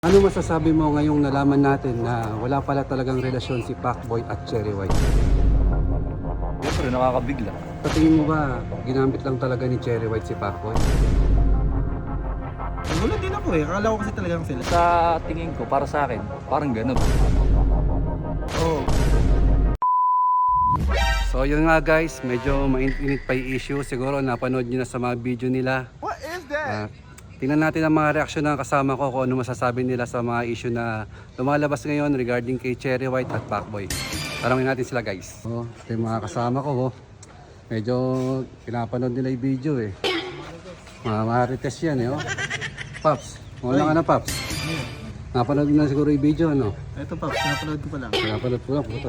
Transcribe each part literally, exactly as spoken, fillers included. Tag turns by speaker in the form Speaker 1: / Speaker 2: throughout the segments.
Speaker 1: Ano masasabi mo ngayong nalaman natin na wala pala talagang relasyon si Pacboy at Cherry White?
Speaker 2: Siyempre, nakakabigla.
Speaker 1: Sa tingin mo ba, ginamit lang talaga ni Cherry White si Pacboy?
Speaker 3: Nagulat din ako eh. Akala ko kasi talagang sila.
Speaker 2: Sa tingin ko, para sa akin, parang ganun.
Speaker 3: Oo.
Speaker 1: So yun nga guys, medyo mainit pa yung issue. Siguro napanood nyo na sa mga video nila.
Speaker 3: What is that?
Speaker 1: Uh, tingnan natin ang mga reaksyon ng kasama ko kung ano masasabi nila sa mga issue na lumalabas ngayon regarding kay Cherry White at Pacboy. Tarangin natin sila guys. Oh, ito yung mga kasama ko. Oh. Medyo pinapanood nila yung video eh. Mga marites yan eh. Oh. Paps, wala ka na Paps. Napanood mo na siguro yung video ano?
Speaker 3: Ito pa, napanood ko pa lang.
Speaker 1: Pinapanood ko lang. Puto.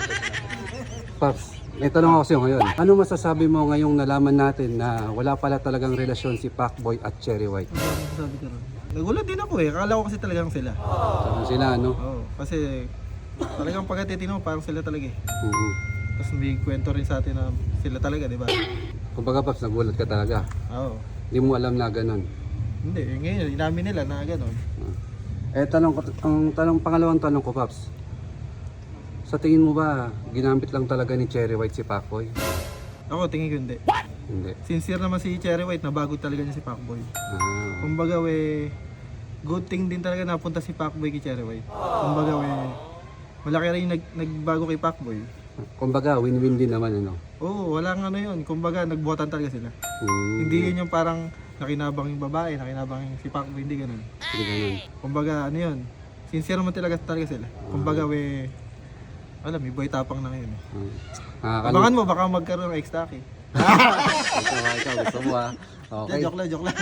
Speaker 1: Paps, may tanong ako sa'yo ngayon. Ano masasabi mo ngayong nalaman natin na wala pala talagang relasyon si Pacboy at Cherry White?
Speaker 3: Ano ang sabi ko ron? Nagulat din ako eh. Akala ko kasi talagang sila.
Speaker 1: Saan sila ano?
Speaker 3: Oo. Kasi talagang pagkatitino, parang sila talaga eh.
Speaker 1: Oo.
Speaker 3: Tapos may kwento rin sa atin na sila talaga, di ba?
Speaker 1: Kumbaga Paps, nagulat ka talaga.
Speaker 3: Oo.
Speaker 1: Hindi mo alam na ganun.
Speaker 3: Hindi, eh, ngayon, inamin nila na gano'n.
Speaker 1: Eh, tanong ko, ang tanong, pangalawang tanong ko Paps. Sa tingin mo ba, ginamit lang talaga ni Cherry White si Pacboy?
Speaker 3: Ako, tingin ko hindi.
Speaker 1: Hindi.
Speaker 3: Sincere naman si Cherry White, nabago talaga niya si Pacboy.
Speaker 1: Ah.
Speaker 3: Kumbaga we, good thing din talaga napunta si Pacboy kay Cherry White. Kumbaga we, malaki rin yung nag, nagbago kay Pacboy.
Speaker 1: Kumbaga, win-win din naman ano.
Speaker 3: Oo, walang ano yun. Kumbaga, nagbuhatan talaga sila.
Speaker 1: Hmm.
Speaker 3: Hindi yun yung parang nakinabang yung babae, nakinabang yung si Pacboy, hindi ganun.
Speaker 1: Hindi ganun.
Speaker 3: Kumbaga, ano yun, sincere naman talaga, talaga sila. Kumbaga, we, alam, may boy tapang na ngayon. Eh.
Speaker 1: Hmm. Nakakalo-
Speaker 3: Abangan mo, baka magkaroon ng ex-taki.
Speaker 1: Ito nga ikaw, gusto mo ah. Okay.
Speaker 3: Joke lang, joke lang.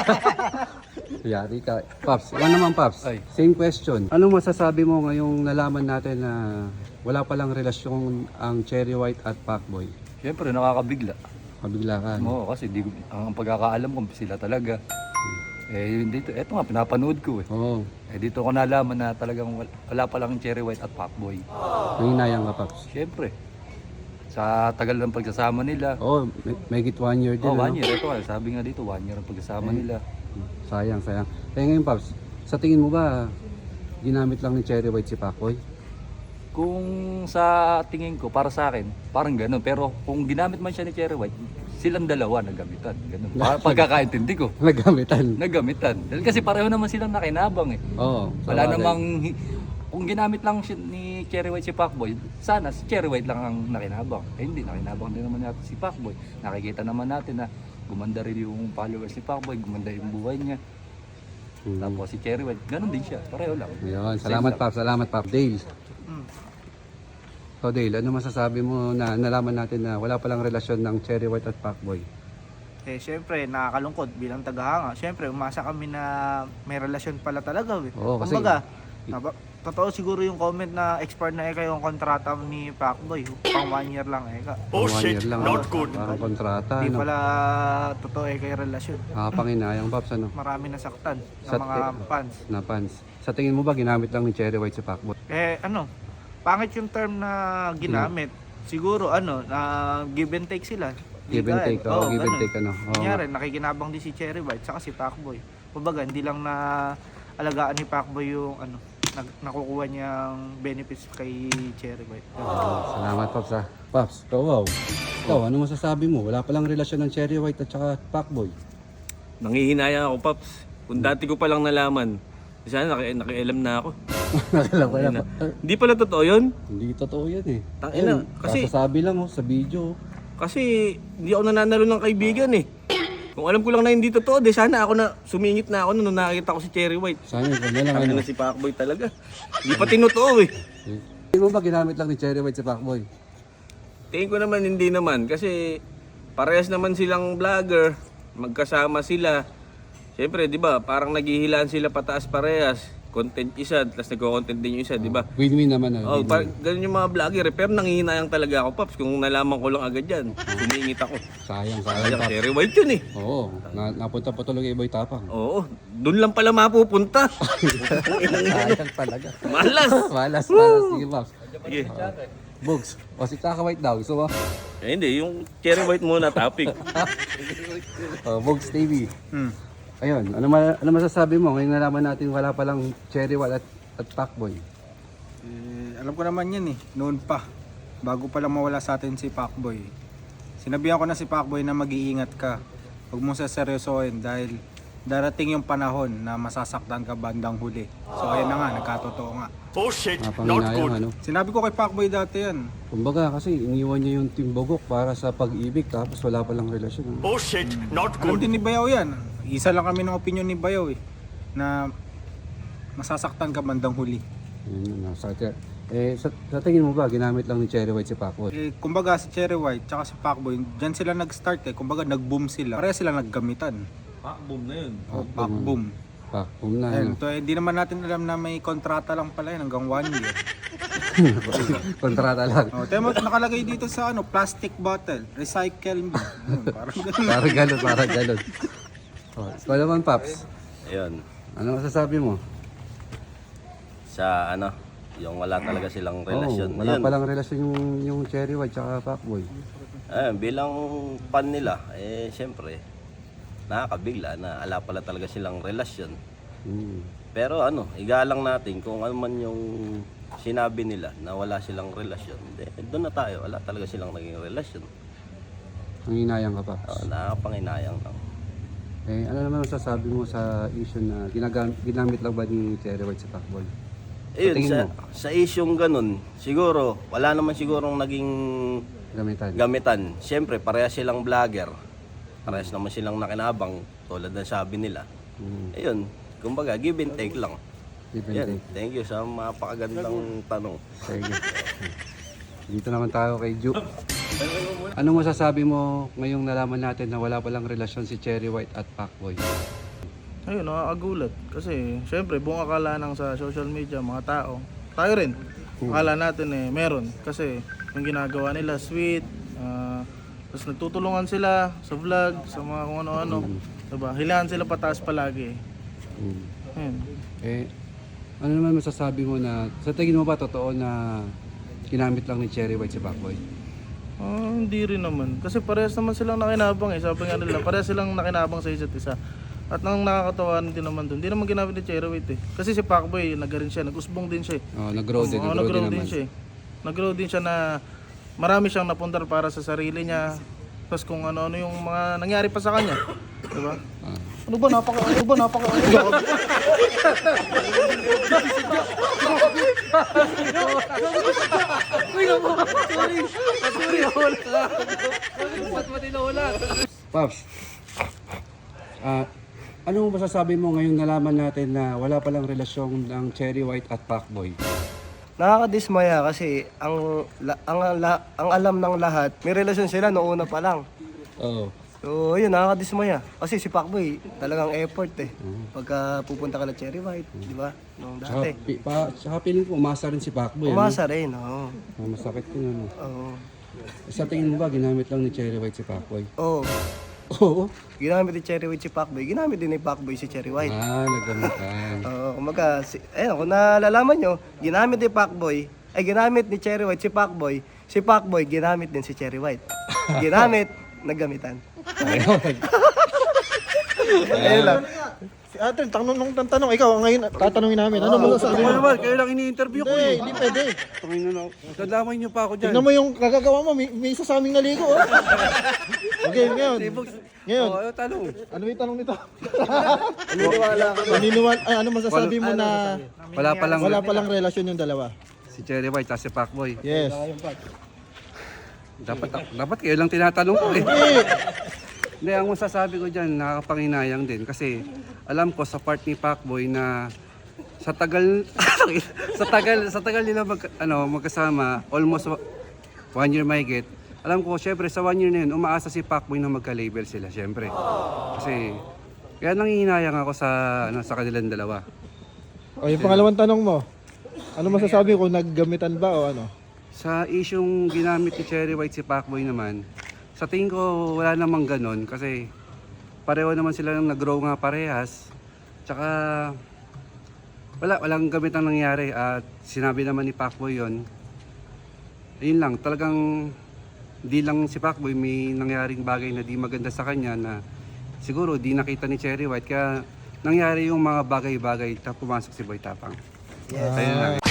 Speaker 1: Yari ka. Paps, ano naman Paps?
Speaker 2: Ay.
Speaker 1: Same question. Anong masasabi mo ngayong nalaman natin na wala palang relasyon ang Cherry White at Pacboy?
Speaker 2: Siyempre, nakakabigla.
Speaker 1: Kabigla ka. No?
Speaker 2: Oo, kasi di, ko- ang pagkakaalam ko, sila talaga. Eh, dito, eto nga, pinapanood ko eh.
Speaker 1: Oo.
Speaker 2: Eh, dito ko nalaman na talagang wala, wala pa lang Cherry White at Pacboy.
Speaker 1: Nanginayang ka Paps.
Speaker 2: Siyempre, sa tagal ng pagsasama nila.
Speaker 1: Oo, may, may git one year din.
Speaker 2: Oh, one
Speaker 1: ano?
Speaker 2: year. Ito, nga, sabi nga dito, one year ang pagsasama nila.
Speaker 1: Sayang, sayang. Kaya ngayon Paps, sa tingin mo ba ginamit lang ni Cherry White si Pacboy?
Speaker 2: Kung sa tingin ko, para sa akin, parang ganun. Pero kung ginamit man siya ni Cherry White, silang dalawa naggamitan. Ganun. Pa- Pagkakaintindi ko.
Speaker 1: Nagamitan.
Speaker 2: Naggamitan. Dahil kasi pareho naman silang nakinabang eh.
Speaker 1: Oo.
Speaker 2: Wala
Speaker 1: sabagay.
Speaker 2: namang, hi- kung ginamit lang si, ni Cherry White si Pacboy, sana si Cherry White lang ang nakinabang. Eh hindi, nakinabang din naman natin si Pacboy. Nakikita naman natin na gumanda rin yung followers ni Pacboy, gumanda yung buhay niya.
Speaker 1: Hmm.
Speaker 2: Tapos si Cherry White, ganun din siya. Pareho lang.
Speaker 1: Ayun, salamat
Speaker 2: Same
Speaker 1: Paps, salamat Paps. Dale.
Speaker 3: Mm.
Speaker 1: So Dale, ano masasabi mo na nalaman natin na wala palang relasyon ng Cherry White at Pacboy?
Speaker 4: Eh, syempre, nakakalungkot bilang tagahanga. Syempre, umasa kami na may relasyon pala talaga. Eh.
Speaker 1: Oo, kasi-
Speaker 4: Kumbaga, naba, totoo siguro yung comment na expired na eka yung kontrata ni Pacboy. Pang one year lang eka.
Speaker 1: Oh, shit, year lang, not good. Parang kontrata,
Speaker 4: Hindi
Speaker 1: ano?
Speaker 4: pala totoo eka yung relasyon.
Speaker 1: Nakapanginayang Paps, ano?
Speaker 4: Marami nasaktan ng
Speaker 1: Sa-
Speaker 4: mga fans.
Speaker 1: Na fans. Sa tingin mo ba ginamit lang ni Cherry White si Pacboy?
Speaker 4: Eh, ano, pangit yung term na ginamit. Siguro, ano, na give and take sila.
Speaker 1: Give and
Speaker 4: Dahil-
Speaker 1: take, oh,
Speaker 4: oo,
Speaker 1: give and
Speaker 4: ganun.
Speaker 1: take, ano? Oo.
Speaker 4: Kunyari, nakikinabang din si Cherry White saka si Pacboy. Kumbaga, hindi lang na alagaan ni Pacboy yung ano, nag, nakukuha niyang benefits kay Cherry White.
Speaker 1: Oh, salamat Paps ha. Paps, ikaw wow. Ikaw, ano masasabi mo? Wala palang relasyon ng Cherry White at saka Pacboy.
Speaker 5: Nangihinayang ako, Paps. Kung dati ko palang nalaman, sana naki nakialam na ako.
Speaker 1: Nakala ko na.
Speaker 5: Hindi pala totoo yun.
Speaker 1: Hindi totoo yan eh.
Speaker 5: Tangina,
Speaker 1: Ayun,
Speaker 5: kasi-
Speaker 1: kasasabi lang oh, sa video.
Speaker 5: Kasi hindi ako nananalo ng kaibigan eh. Kung alam ko lang na hindi totoo, de sana ako na sumingit na ako nung nakita ko si Cherry White.
Speaker 1: Sana ikaw na lang
Speaker 5: Ano
Speaker 1: ano.
Speaker 5: na si Pacboy talaga. Hindi pa tinotoo eh.
Speaker 1: Tingin mo ba ginamit lang ni Cherry White si Pacboy?
Speaker 5: Tingin ko naman hindi naman kasi parehas naman silang vlogger, magkasama sila. Siyempre, di ba, parang naghihilaan sila pataas parehas. Content isa, tapos nagko-content din yung isa, di ba?
Speaker 1: Win-win naman ano.
Speaker 5: Oh,
Speaker 1: win-win.
Speaker 5: parang ganun yung mga vlogger eh. Pero nangihinayang talaga ako, Paps. Kung nalaman ko lang agad yan, sumingit ako.
Speaker 1: Sayang, sayang
Speaker 5: Sayang,
Speaker 1: Paps.
Speaker 5: Cherry White yun eh.
Speaker 1: Oo, na, napunta pa tuloy kay Boy Tapang.
Speaker 5: Oo, dun lang pala mapupunta.
Speaker 1: Sayang talaga.
Speaker 5: Malas.
Speaker 1: Malas, malas. Sige Paps.
Speaker 5: Sige.
Speaker 1: Bugs, o si Kaka White daw. Gusto mo?
Speaker 5: Eh, hindi, yung Cherry White muna topic.
Speaker 1: Oh, Bugs T V.
Speaker 4: Hmm.
Speaker 1: Ayun, ano, ma- ano masasabi mo? Ngayon nalaman natin wala palang Cherry White at, at Pacboy.
Speaker 3: Eh, alam ko naman yan eh, noon pa. Bago pa lang mawala sa atin si Pacboy. Sinabihan ko na si Pacboy na mag-iingat ka. Huwag mong saseryosohin dahil darating yung panahon na masasaktan ka bandang huli. So ayan na nga, nagkatotoo nga.
Speaker 1: Napanginayang ano.
Speaker 3: Sinabi ko kay Pacboy dati yan.
Speaker 1: Kumbaga kasi iniwan niya yung Timbogok para sa pag-ibig tapos wala palang relasyon. Ano?
Speaker 3: Alam din ni Bayaw yan. Isa lang kami ng opinion ni Bayaw eh. Na masasaktan ka bandang huli.
Speaker 1: Yun, nasa, eh, sa, sa tingin mo ba, ginamit lang ni Cherry White si Pacboy?
Speaker 3: Eh, kumbaga si Cherry White tsaka si Pacboy, dyan sila nag-start eh. Kumbaga nag-boom sila. Pareha sila naggamitan.
Speaker 5: Ah, boom na yun.
Speaker 3: O, Pac-boom.
Speaker 1: Pacboy na.
Speaker 3: Ayun,
Speaker 1: Ano?
Speaker 3: to, eh, di naman natin alam na may kontrata lang pala yun hanggang one year.
Speaker 1: Kontrata lang.
Speaker 3: O, tayo mo, nakalagay dito sa ano, plastic bottle, recycle me. Ayun, parang ganun.
Speaker 1: Parang galon, parang galon. Oh, ikaw naman, Paps.
Speaker 6: Ayun,
Speaker 1: Ano masasabi mo?
Speaker 6: sa ano, yung wala talaga silang relasyon.
Speaker 1: Oh, wala
Speaker 6: Ayun,
Speaker 1: palang relasyon yung, yung Cherry White tsaka Pacboy.
Speaker 6: ayun, bilang fan nila, eh syempre, nakakabigla na ala pala talaga silang relasyon.
Speaker 1: Hmm.
Speaker 6: Pero ano, igalang natin kung ano man yung sinabi nila na wala silang relasyon. Eh, doon na tayo, wala talaga silang naging relasyon.
Speaker 1: Ang inayang ka, Paps.
Speaker 6: Oh, nakakapanginayang lang.
Speaker 1: Eh, ano naman masasabi mo sa issue na ginagam- ginamit lang ba ni Cherry White sa Pacboy?
Speaker 6: Ayun,
Speaker 1: tingin
Speaker 6: sa,
Speaker 1: mo?
Speaker 6: sa isyong ganun, siguro, wala naman sigurong naging
Speaker 1: Gamitan.
Speaker 6: gamitan. Siyempre, parehas silang vlogger. Parehas naman silang nakinabang, tulad ng sabi nila.
Speaker 1: Hmm.
Speaker 6: Ayun, kumbaga, give and take lang.
Speaker 1: Give and
Speaker 6: Yan,
Speaker 1: take.
Speaker 6: thank you sa mapakagandang tanong.
Speaker 1: Sige. Dito naman tayo kay Ju. Ano masasabi mo ngayong nalaman natin na wala palang relasyon si Cherry White at Pacboy?
Speaker 7: Ayun, nakakagulat. Kasi, syempre, buong akala ng sa social media, mga tao, tayo rin, akala natin eh, meron. Kasi, yung ginagawa nila, sweet, ah, tapos nagtutulungan sila sa vlog, sa mga kung ano-ano. Diba? Hilahan sila pataas palagi.
Speaker 1: Hmm.
Speaker 7: Ayun.
Speaker 1: Eh, ano naman masasabi mo na, sa tingin mo ba totoo na ginamit lang ni Cherry White si Pacboy?
Speaker 7: Ah, hindi rin naman. Kasi parehas naman silang nakinabang eh. Sabi nga nila, parehas silang nakinabang sa isa't isa. At nang nakakatawa din naman doon, hindi naman ginamit ni Cherry White eh. Kasi si Pacboy, nag-rin siya, nag-usbong din siya eh.
Speaker 1: Oh, nag-grow din,
Speaker 7: Oo,
Speaker 1: nag-grow,
Speaker 7: nag-grow
Speaker 1: din
Speaker 7: din
Speaker 1: naman.
Speaker 7: siya eh. Nag-grow din siya na marami siyang napuntar para sa sarili niya. Tapos kung ano-ano yung mga nangyari pa sa kanya. Diba?
Speaker 1: Ah.
Speaker 7: Ano ba napaka ano ba napaka ano ba?
Speaker 1: Paps, ah, ano masasabi mo ngayong nalaman natin na wala palang relasyon ng Cherry White at Pacboy?
Speaker 8: Nakakadismaya kasi ang, la- ang, la- ang alam ng lahat, may relasyon sila noong una pa lang.
Speaker 1: Oo.
Speaker 8: So, yun, nakakadismaya. Kasi si Pacboy, talagang effort eh. Pagka pupunta ka na Cherry White, di ba? Noong
Speaker 1: Tsaka,
Speaker 8: dati.
Speaker 1: pi- pa, tsaka feeling ko umasa rin si Pacboy.
Speaker 8: Umasa rin, oo.
Speaker 1: Ano? Ah, masakit yun ano.
Speaker 8: Oo.
Speaker 1: Sa tingin mo ba ginamit lang ni Cherry White si Pacboy?
Speaker 8: Oo.
Speaker 1: Oo.
Speaker 8: Ginamit ni Cherry White si Pacboy, ginamit din ni Pacboy si Cherry White.
Speaker 1: Ah, nagamitan.
Speaker 8: Oo, kumaga, si, ayun, kung nalalaman nyo, ginamit ni Pacboy, ay ginamit ni Cherry White si Pacboy, si Pacboy ginamit din si Cherry White. Ginamit, naggamitan. Ayun lang.
Speaker 3: Si Ate, tanong ng tanong, ikaw ngayon tatanungin namin. Ano mo sasabi mo?
Speaker 1: naman, kayo lang ini-interview ko
Speaker 3: Hindi,
Speaker 1: eh.
Speaker 3: hindi pwede.
Speaker 1: Tumingin na ako. Dadamay niyo pa ako dyan.
Speaker 3: Tingnan mo yung kagagawa mo, may, may isa sa aming naligo. Oh. Okay, ngayon. Ngayon,
Speaker 1: Oh, ano tanong?
Speaker 3: ano yung tanong nito? Naniniwala ka ba? Naniniwala, ay, ano masasabi mo na
Speaker 1: Wala palang
Speaker 3: wala palang relasyon yung dalawa?
Speaker 1: si Cherry White at si Pacboy.
Speaker 3: Yes.
Speaker 1: Dapat dapat kayo lang tinatanong ko eh.
Speaker 3: Eh,
Speaker 1: Hindi, ang masasabi ko dyan, nakakapanginayang din. Kasi alam ko sa part ni Pacboy na sa tagal, sa tagal, sa tagal nila mag, ano, magkasama, almost wa- one year mahigit, alam ko, syempre sa one year na yun, umaasa si Pacboy na magka-label sila, syempre. Kasi, kaya nanginayang ako sa, ano, sa kanilang dalawa.
Speaker 3: o yung pangalawang tanong mo. Ano masasabi ko, naggamitan ba o ano?
Speaker 1: Sa isyong ginamit ni Cherry White si Pacboy naman, sa tingin ko wala namang ganon kasi pareho naman sila nang nag-grow nga parehas. Tsaka wala, walang gamit ang nangyari at sinabi naman ni Pacboy yon. Ayun lang, talagang di lang si Pacboy may nangyaring bagay na di maganda sa kanya na siguro di nakita ni Cherry White kaya nangyari yung mga bagay-bagay na pumasok si Boy Tapang.
Speaker 8: Yes.
Speaker 1: Ayun lang.